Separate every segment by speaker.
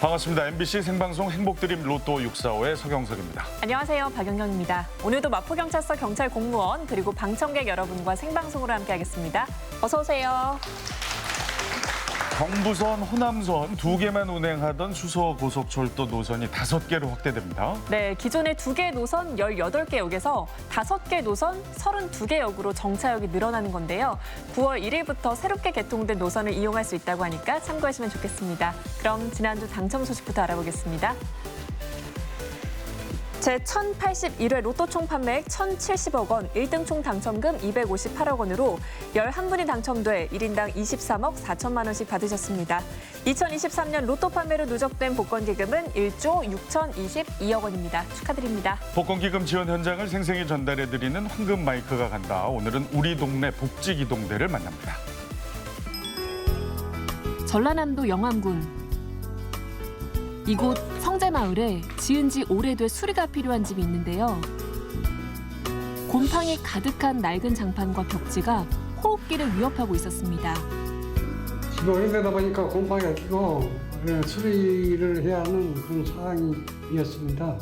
Speaker 1: 반갑습니다. MBC 생방송 행복드림 로또 645의 서경석입니다.
Speaker 2: 안녕하세요. 박연경입니다. 오늘도 마포경찰서 경찰 공무원 그리고 방청객 여러분과 생방송으로 함께하겠습니다. 어서 오세요.
Speaker 1: 경부선, 호남선 2개만 운행하던 수서고속철도 노선이 5개로 확대됩니다.
Speaker 2: 네, 기존의 2개 노선 18개 역에서 5개 노선 32개 역으로 정차역이 늘어나는 건데요. 9월 1일부터 새롭게 개통된 노선을 이용할 수 있다고 하니까 참고하시면 좋겠습니다. 그럼 지난주 당첨 소식부터 알아보겠습니다. 제1081회 로또 총 판매액 1,070억 원, 1등 총 당첨금 258억 원으로 11분이 당첨돼 1인당 23억 4천만 원씩 받으셨습니다. 2023년 로또 판매로 누적된 복권기금은 1조 6,022억 원입니다. 축하드립니다.
Speaker 1: 복권기금 지원 현장을 생생히 전달해드리는 황금 마이크가 간다. 오늘은 우리 동네 복지기동대를 만납니다.
Speaker 2: 전라남도 영암군. 이곳 성재마을에 지은 지 오래돼 수리가 필요한 집이 있는데요. 곰팡이 가득한 낡은 장판과 벽지가 호흡기를 위협하고 있었습니다.
Speaker 3: 집이 오래되다 보니까 곰팡이가 끼고 수리를 해야 하는 그런 상황이었습니다.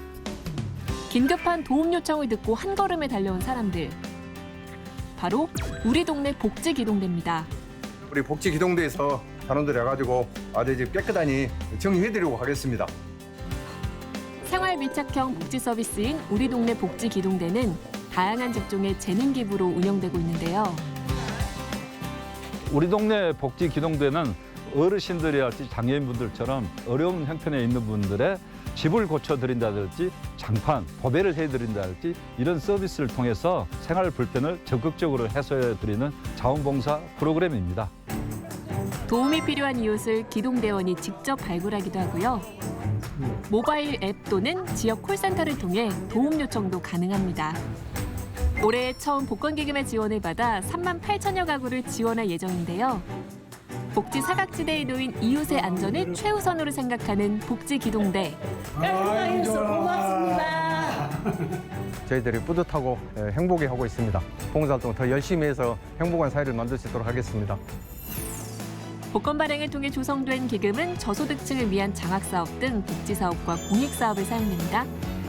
Speaker 2: 긴급한 도움 요청을 듣고 한 걸음에 달려온 사람들. 바로 우리 동네 복지기동대입니다.
Speaker 4: 우리 복지기동대에서 단원들이 와가지고 아들 집 깨끗하니 정리해드리고 가겠습니다.
Speaker 2: 생활 밀착형 복지 서비스인 우리 동네 복지기동대는 다양한 직종의 재능 기부로 운영되고 있는데요.
Speaker 5: 우리 동네 복지기동대는 어르신들이랄지 장애인분들처럼 어려운 형편에 있는 분들의 집을 고쳐드린다든지 장판, 보배를 해드린다든지 이런 서비스를 통해서 생활 불편을 적극적으로 해소해드리는 자원봉사 프로그램입니다.
Speaker 2: 도움이 필요한 이웃을 기동대원이 직접 발굴하기도 하고요. 모바일 앱 또는 지역 콜센터를 통해 도움 요청도 가능합니다. 올해 처음 복권기금의 지원을 받아 3만 8천여 가구를 지원할 예정인데요. 복지 사각지대에 놓인 이웃의 안전을 최우선으로 생각하는 복지기동대.
Speaker 3: 고맙습니다.
Speaker 4: 저희들이 뿌듯하고 행복해하고 있습니다. 봉사활동 더 열심히 해서 행복한 사회를 만들 수 있도록 하겠습니다.
Speaker 2: 복권 발행을 통해 조성된 기금은 저소득층을 위한 장학사업 등 복지사업과 공익사업에 사용됩니다.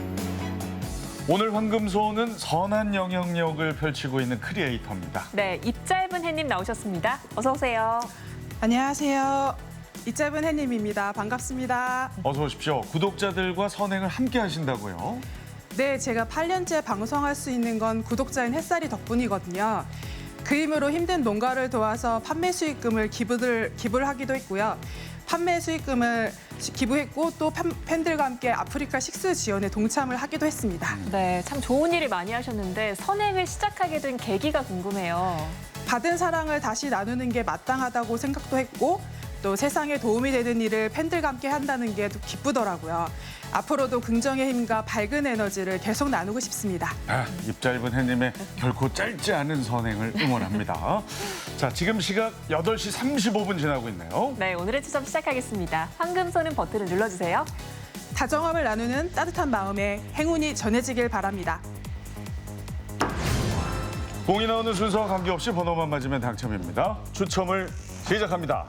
Speaker 1: 오늘 황금소는 선한 영향력을 펼치고 있는 크리에이터입니다.
Speaker 2: 네, 입 짧은 햇님 나오셨습니다. 어서 오세요.
Speaker 6: 안녕하세요. 이 짧은 햇님입니다. 반갑습니다.
Speaker 1: 어서 오십시오. 구독자들과 선행을 함께 하신다고요?
Speaker 6: 네, 제가 8년째 방송할 수 있는 건 구독자인 햇살이 덕분이거든요. 그 힘으로 힘든 농가를 도와서 판매 수익금을 기부를 하기도 했고요. 판매 수익금을 기부했고 또 팬들과 함께 아프리카 식수 지원에 동참을 하기도 했습니다.
Speaker 2: 네, 참 좋은 일을 많이 하셨는데 선행을 시작하게 된 계기가 궁금해요.
Speaker 6: 받은 사랑을 다시 나누는 게 마땅하다고 생각도 했고 또 세상에 도움이 되는 일을 팬들과 함께 한다는 게 기쁘더라고요. 앞으로도 긍정의 힘과 밝은 에너지를 계속 나누고 싶습니다.
Speaker 1: 입 짧은 햇님의 결코 짧지 않은 선행을 응원합니다. 자, 지금 시각 8시 35분 지나고 있네요.
Speaker 2: 네, 오늘의 추첨 시작하겠습니다. 황금소는 버튼을 눌러주세요.
Speaker 6: 다정함을 나누는 따뜻한 마음에 행운이 전해지길 바랍니다.
Speaker 1: 공이 나오는 순서와 관계없이 번호만 맞으면 당첨입니다. 추첨을 시작합니다.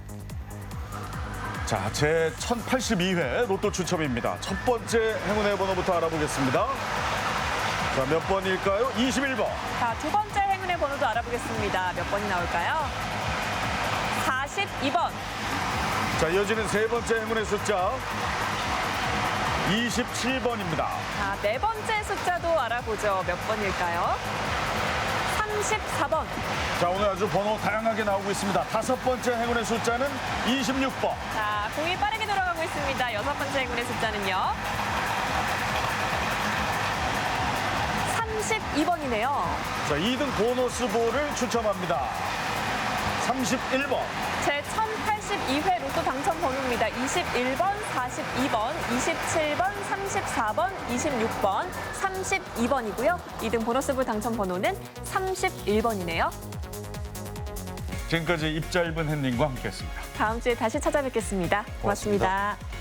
Speaker 1: 자, 제 1082회 로또 추첨입니다. 첫 번째 행운의 번호부터 알아보겠습니다. 자, 몇 번일까요? 21번.
Speaker 2: 자, 두 번째 행운의 번호도 알아보겠습니다. 몇 번이 나올까요? 42번.
Speaker 1: 자, 이어지는 세 번째 행운의 숫자 27번입니다.
Speaker 2: 자, 네 번째 숫자도 알아보죠. 몇 번일까요? 34번.
Speaker 1: 자, 오늘 아주 번호 다양하게 나오고 있습니다. 다섯 번째 행운의 숫자는 26번.
Speaker 2: 자, 공이 빠르게 돌아가고 있습니다. 여섯 번째 행운의 숫자는요. 32번이네요.
Speaker 1: 자, 2등 보너스 볼을 추첨합니다. 31번.
Speaker 2: 제 1082회 로또 당첨 번호입니다. 21번, 42번, 27번, 34번, 26번, 32번이고요. 2등 보너스볼 당첨 번호는 31번이네요.
Speaker 1: 지금까지 입 짧은 햇님과 함께했습니다.
Speaker 2: 다음 주에 다시 찾아뵙겠습니다. 고맙습니다.